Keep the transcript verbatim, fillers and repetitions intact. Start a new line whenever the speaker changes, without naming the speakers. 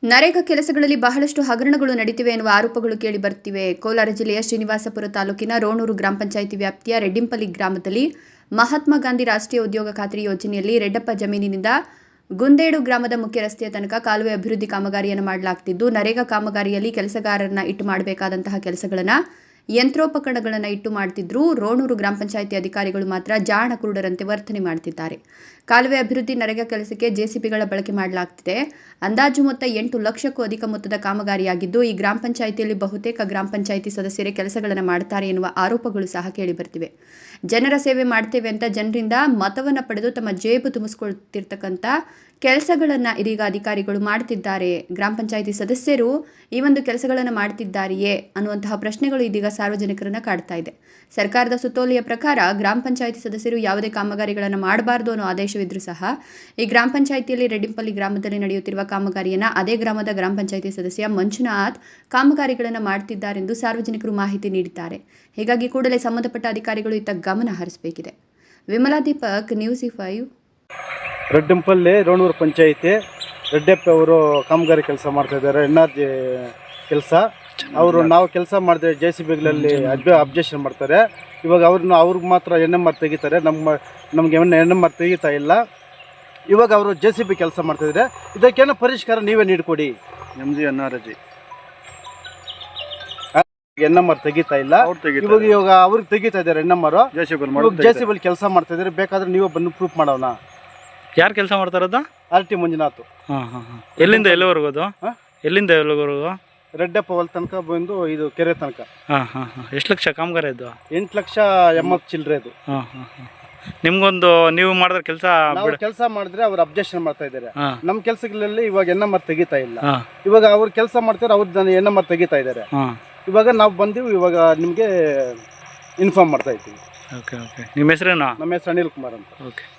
ನರೇಗಾ ಕೆಲಸಗಳಲ್ಲಿ ಬಹಳಷ್ಟು ಹಗರಣಗಳು ನಡೆದಿವೆ ಎನ್ನುವ ಆರೋಪಗಳು ಕೇಳಿ ಬರುತ್ತಿವೆ. ಕೋಲಾರ ಜಿಲ್ಲೆಯ ಶ್ರೀನಿವಾಸಪುರ ತಾಲೂಕಿನ ರೋಣೂರು ಗ್ರಾಮ ಪಂಚಾಯಿತಿ ವ್ಯಾಪ್ತಿಯ ರೆಡ್ಡಿಂಪಲ್ಲಿ ಗ್ರಾಮದಲ್ಲಿ ಮಹಾತ್ಮ ಗಾಂಧಿ ರಾಷ್ಟ್ರೀಯ ಉದ್ಯೋಗ ಖಾತ್ರಿ ಯೋಜನೆಯಲ್ಲಿ ರೆಡ್ಡಪ್ಪ ಜಮೀನಿನಿಂದ ಗುಂದೇಡು ಗ್ರಾಮದ ಮುಖ್ಯ ರಸ್ತೆಯ ತನಕ ಕಾಲುವೆ ಅಭಿವೃದ್ಧಿ ಕಾಮಗಾರಿಯನ್ನು ಮಾಡಲಾಗುತ್ತಿದ್ದು, ನರೇಗಾ ಕಾಮಗಾರಿಯಲ್ಲಿ ಕೆಲಸಗಾರರನ್ನ ಇಟ್ಟು ಮಾಡಬೇಕಾದಂತಹ ಕೆಲಸಗಳನ್ನು ಯಂತ್ರೋಪಕರಣಗಳನ್ನು ಇಟ್ಟು ಮಾಡ್ತಿದ್ರು. ರೋಣೂರು ಗ್ರಾಮ ಪಂಚಾಯಿತಿ ಅಧಿಕಾರಿಗಳು ಮಾತ್ರ ಜಾಣ ಕುರುಡರಂತೆ ವರ್ತನೆ ಮಾಡ್ತಿದ್ದಾರೆ. ಕಾಲುವೆ ಅಭಿವೃದ್ಧಿ ನರೇಗಾ ಕೆಲಸಕ್ಕೆ ಜೆಸಿಬಿಗಳ ಬಳಕೆ ಮಾಡಲಾಗ್ತಿದೆ. ಅಂದಾಜು ಮೊತ್ತ ಎಂಟು ಲಕ್ಷಕ್ಕೂ ಅಧಿಕ ಮೊತ್ತದ ಕಾಮಗಾರಿಯಾಗಿದ್ದು, ಈ ಗ್ರಾಮ ಪಂಚಾಯಿತಿಯಲ್ಲಿ ಬಹುತೇಕ ಗ್ರಾಮ ಪಂಚಾಯಿತಿ ಸದಸ್ಯರೇ ಕೆಲಸಗಳನ್ನು ಮಾಡ್ತಾರೆ ಎನ್ನುವ ಆರೋಪಗಳು ಸಹ ಕೇಳಿಬರ್ತಿವೆ. ಜನರ ಸೇವೆ ಮಾಡ್ತೇವೆ ಅಂತ ಜನರಿಂದ ಮತವನ್ನು ಪಡೆದು ತಮ್ಮ ಜೇಬು ತುಂಬಿಸ್ಕೊಳ್ತಿರ್ತಕ್ಕಂಥ ಕೆಲಸಗಳನ್ನು ಇದೀಗ ಅಧಿಕಾರಿಗಳು ಮಾಡ್ತಿದ್ದಾರೆ. ಗ್ರಾಮ ಪಂಚಾಯಿತಿ ಸದಸ್ಯರು ಈ ಒಂದು ಕೆಲಸಗಳನ್ನು ಮಾಡ್ತಿದ್ದಾರೆಯೇ ಅನ್ನುವಂತಹ ಪ್ರಶ್ನೆಗಳು ಇದೀಗ ಸಾರ್ವಜನಿಕರನ್ನ ಕಾಡ್ತಾ ಇದೆ. ಸರ್ಕಾರದ ಸುತ್ತೋಲೆಯ ಪ್ರಕಾರ ಗ್ರಾಮ ಪಂಚಾಯಿತಿ ಸದಸ್ಯರು ಯಾವುದೇ ಕಾಮಗಾರಿಗಳನ್ನು ಮಾಡಬಾರದು ಅನ್ನೋ ಆದೇಶವಿದ್ರೂ ಸಹ ಈ ಗ್ರಾಮ ಪಂಚಾಯಿತಿಯಲ್ಲಿ ರೆಡ್ಡಿಂಪಲ್ಲಿ ಗ್ರಾಮದಲ್ಲಿ ನಡೆಯುತ್ತಿರುವ ಕಾಮಗಾರಿಯನ್ನು ಅದೇ ಗ್ರಾಮದ ಗ್ರಾಮ ಪಂಚಾಯಿತಿ ಸದಸ್ಯ ಮಂಜುನಾಥ್ ಕಾಮಗಾರಿಗಳನ್ನು ಮಾಡ್ತಿದ್ದಾರೆಂದು ಸಾರ್ವಜನಿಕರು ಮಾಹಿತಿ ನೀಡಿದ್ದಾರೆ. ಹೀಗಾಗಿ ಕೂಡಲೇ ಸಂಬಂಧಪಟ್ಟ ಅಧಿಕಾರಿಗಳು ಇತ್ತ ಗಮನ ಹರಿಸಬೇಕಿದೆ. Vimala Deepak, news five.
ರೆಡ್ಡಿಂಪಲ್ಲಿ ರೋಣೂರು ಪಂಚಾಯಿತಿ ರೆಡ್ಡಪ್ಪ ಅವರು ಕಾಮಗಾರಿ ಕೆಲಸ ಮಾಡ್ತಾ ಇದ್ದಾರೆ. ಎನ್ ಆರ್ ಜಿ ಕೆಲಸ ಅವರು ನಾವು ಕೆಲಸ ಮಾಡಿದ್ರೆ ಜೆ ಸಿ ಬಿಗಳಲ್ಲಿ ಅಬ್ಜ ಅಬ್ಜೆಕ್ಷನ್ ಮಾಡ್ತಾರೆ. ಇವಾಗ ಅವ್ರನ್ನ ಅವ್ರಿಗೆ ಮಾತ್ರ ಎನ್ ಎಮ್ ಆರ್ ತೆಗಿತಾರೆ, ನಮ್ಮ ನಮಗೆ ಎನ್ ಎಮ್ ಆರ್ ತೆಗಿತಾ ಇಲ್ಲ. ಇವಾಗ ಅವರು ಜೆ ಸಿ ಬಿ ಕೆಲಸ ಮಾಡ್ತಾಯಿದ್ರೆ ಇದಕ್ಕೇನೋ ಪರಿಷ್ಕಾರ ನೀವೇ ನೀಡಿಕೊಡಿ. M G N R G N M R ತೆಗಿತಾ ಇಲ್ಲ. ಇವಾಗ ಇವಾಗ ಅವ್ರಿಗೆ ತೆಗಿತಾ ಇದ್ದಾರೆ N M R. J C B ಕೆಲಸ ಮಾಡ್ತಾ ಇದ್ದಾರೆ. ಬೇಕಾದ್ರೆ ನೀವೇ ಬಂದು ಪ್ರೂಫ್ ಮಾಡೋಣ.
ಯಾರು ಕೆಲಸ ಮಾಡ್ತಾರದು?
R T Manjunath.
ಹಾಂ ಹಾಂ ಹಾಂ ಎಲ್ಲಿಂದ ಎಲ್ಲಿವರೆಗೂ ಅದು? ಎಲ್ಲಿಂದ ಎಲ್ಲಿವರೆಗೂ?
ರೆಡ್ಡಪ್ಪ ಹೊಲ ತನಕ ಬಂದು ಇದು ಕೆರೆ ತನಕ.
ಹಾಂ ಹಾಂ ಹಾಂ ಎಷ್ಟು ಲಕ್ಷ ಕಾಮಗಾರಿ ಇದು?
ಎಂಟು ಲಕ್ಷ ಎಂಬತ್ತು ಚಿಲ್ಲರೆ ಅದು.
ಹಾಂ ಹಾಂ ಹಾಂ ನಿಮ್ಗೊಂದು ನೀವು ಮಾಡಿದ್ರೆ ಕೆಲಸ
ಕೆಲಸ ಮಾಡಿದ್ರೆ ಅವ್ರು ಅಬ್ಜೆಕ್ಷನ್ ಮಾಡ್ತಾ ಇದ್ದಾರೆ. ನಮ್ಮ ಕೆಲಸಗಳಲ್ಲಿ ಇವಾಗ ಎನ್ ಎಮ್ ಆರ್ ತೆಗಿತಾ ಇಲ್ಲ. ಇವಾಗ ಅವ್ರು ಕೆಲಸ ಮಾಡ್ತಾರೆ, ಅವ್ರು ಎನ್ ಎಮ್ ಆರ್ ತೆಗಿತಾ ಇದ್ದಾರೆ. ಇವಾಗ ನಾವು ಬಂದೀವಿ, ಇವಾಗ ನಿಮಗೆ ಇನ್ಫಾರ್ಮ್ ಮಾಡ್ತಾ ಇದ್ದೀವಿ.
ಓಕೆ ಓಕೆ ನಿಮ್ಮ ಹೆಸರೇನಾ?
ನಮ್ಮ ಹೆಸರು ಅನಿಲ್ ಕುಮಾರ್ ಅಂತ.
ಓಕೆ.